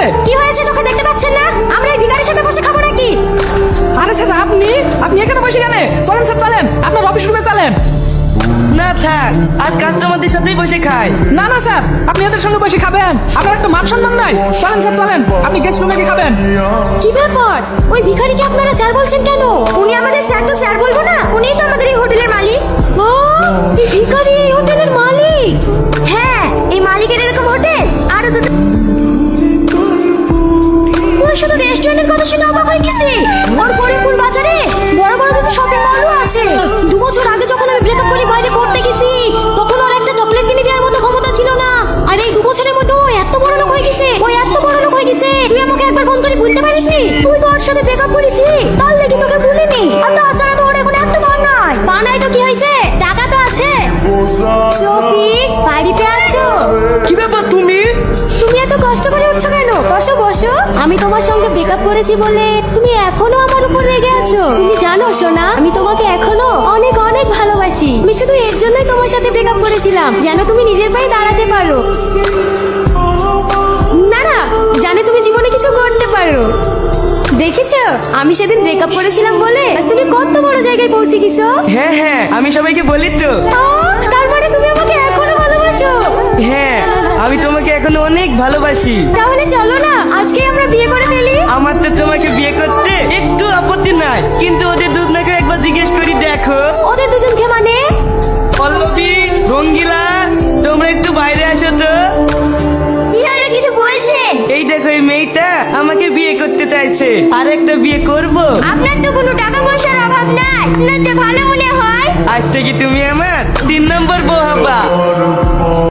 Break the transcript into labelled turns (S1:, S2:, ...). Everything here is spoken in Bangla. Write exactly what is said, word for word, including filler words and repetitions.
S1: কি হয়েছে চোখে দেখতে পাচ্ছেন না? আমরা এই ভিখারির সাথে বসে খাবো নাকি?
S2: আরে স্যার আপনি আপনি এখানে বসে কেন? চলেন স্যার চলেন, আপনার অফিস রুমে চলেন।
S3: না থাক, আজ কাস্টমারদের সাথেই বসে খাই।
S2: না না স্যার, আপনি এদের সঙ্গে বসে খাবেন, আপনার একটা মান সম্মান নাই। চলেন স্যার চলেন, আপনি গেস্ট রুমে গিয়ে খাবেন।
S1: কি ব্যাপার? ওই ভিখারিকে আপনারা স্যার বলছেন কেন? উনি আমাদের স্যার তো স্যার বলবো না, উনিই তো আমাদের এই হোটেলের মালিক। এই ভিখারি এই হোটেলের মালিক? হ্যাঁ, এই মালিকের এরকম হোটেল আরো দুটো। ওই শুধু রেস্টুরেন্টের কথা শুনে অবাক হয়ে গেছি। ওর ফরিদপুর বাজারে বড় বড় দুটো শপিং মলও আছে। দু বছর আগে যখন আমি ব্রেকআপ করে বাইরে পড়তে গেছি, তখন ওর একটা চকলেট কিনে দেওয়ার মতো ক্ষমতা ছিল না। আর এই দু বছরের মধ্যে ও এত বড় লোক হয়ে গেছে, ও এত বড় লোক হয়ে গেছে, তুই আমাকে একবার ফোন করে বলতে পারিসনি? তুই তো ওর সাথে ব্রেকআপ করেছি, তার লেগে তোকে বলিনি। আর তাছাড়া তো ওর এখন এত বার নাই। পা নাই তো কি হয়েছে, টাকা তো আছে। শফিক, বাড়িতে আছো?
S3: কি ব্যাপার তুমি?
S1: তুমি এত কষ্ট করে উঠছো কেন? বসো বসো। আমি তোমার সঙ্গে ব্রেকআপ করেছি বলে তুমি এখনো আমার উপর রেগে আছো। তুমি জানো সোনা, আমি তোমাকে এখনো অনেক অনেক ভালোবাসি। আমি শুধু এর জন্যই তোমার সাথে ব্রেকআপ করেছিলাম, যেন তুমি নিজের পায়ে দাঁড়াতে পারো। না না, জানে তুমি জীবনে কিছু করতে পারো। দেখেছো, আমি সেদিন ব্রেকআপ করেছিলাম বলে আজ তুমি কত বড় জায়গায় পৌঁছে গেছো।
S3: হ্যাঁ হ্যাঁ, আমি সবাইকে বলি তো।
S1: তার মানে তুমি আমাকে এখনো ভালোবাসো?
S3: হ্যাঁ, আমি তোমাকে এখনো অনেক ভালোবাসি।
S1: তাহলে চলো না আজকে আমরা বিয়ে করে ফেলি।
S3: আমার তো তোমাকে বিয়ে করতে একটু আপত্তি নাই, কিন্তু ওদের দুজনকে একবার জিজ্ঞেস করি দেখো।
S1: ওদের দুজনকে মানে?
S3: পল্লবী, রঙ্গিলা, তোমরা একটু বাইরে আসো তো।
S1: ইয়ারে কিছু বলছেন?
S3: এই দেখো, এই মেয়েটা আমাকে বিয়ে করতে চাইছে, আর একটা বিয়ে করব।
S1: আপনার তো কোনো টাকা পয়সার অভাব নাই, আপনার যে ভালো মনে হয়।
S3: আজ থেকে তুমি আমার তিন নম্বর বউ হবা।